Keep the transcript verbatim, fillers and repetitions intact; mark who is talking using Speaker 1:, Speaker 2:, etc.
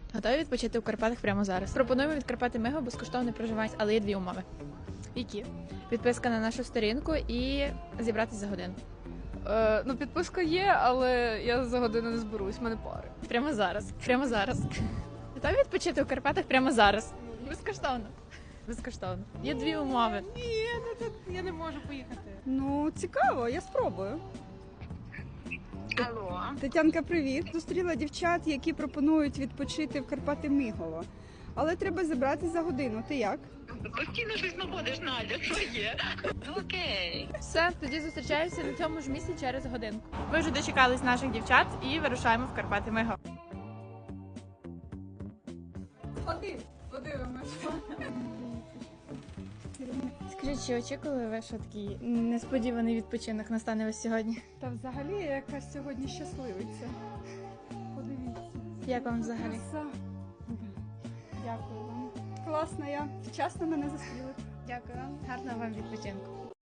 Speaker 1: Готові відпочити у Карпатах прямо зараз? Пропонуємо від Карпати Миго безкоштовне проживання, але є дві умови.
Speaker 2: Які?
Speaker 1: Підписка на нашу сторінку і зібратися за годину.
Speaker 2: Е, ну, підписка є, але я за годину не зберусь, в мене пари.
Speaker 1: Прямо зараз. Прямо зараз. Готові відпочити у Карпатах прямо зараз? Безкоштовно. Безкоштовно. Є дві умови.
Speaker 2: Ні, я не можу поїхати.
Speaker 3: Ну, цікаво, я спробую.
Speaker 4: Алло,
Speaker 3: Тетянка, привіт. Зустріла дівчат, які пропонують відпочити в Карпати Мигово. Але треба зібратися за годину. Ти як?
Speaker 4: постійно щось знаходиш, Надя, що є? Окей.
Speaker 1: Все, тоді зустрічаємося на цьому ж місці через годинку. Ви вже дочекались наших дівчат і вирушаємо в Карпати Миго.
Speaker 3: Ходи, подивимось.
Speaker 1: Скажіть, чи очікували ви, що такий несподіваний відпочинок настане ось сьогодні?
Speaker 3: Та взагалі я якась сьогодні щасливиця. Подивіться.
Speaker 1: Як вам взагалі?
Speaker 3: Краса. Дякую вам. Класно я. Вчасно мене зустріли.
Speaker 1: Дякую вам. Гарного вам відпочинку.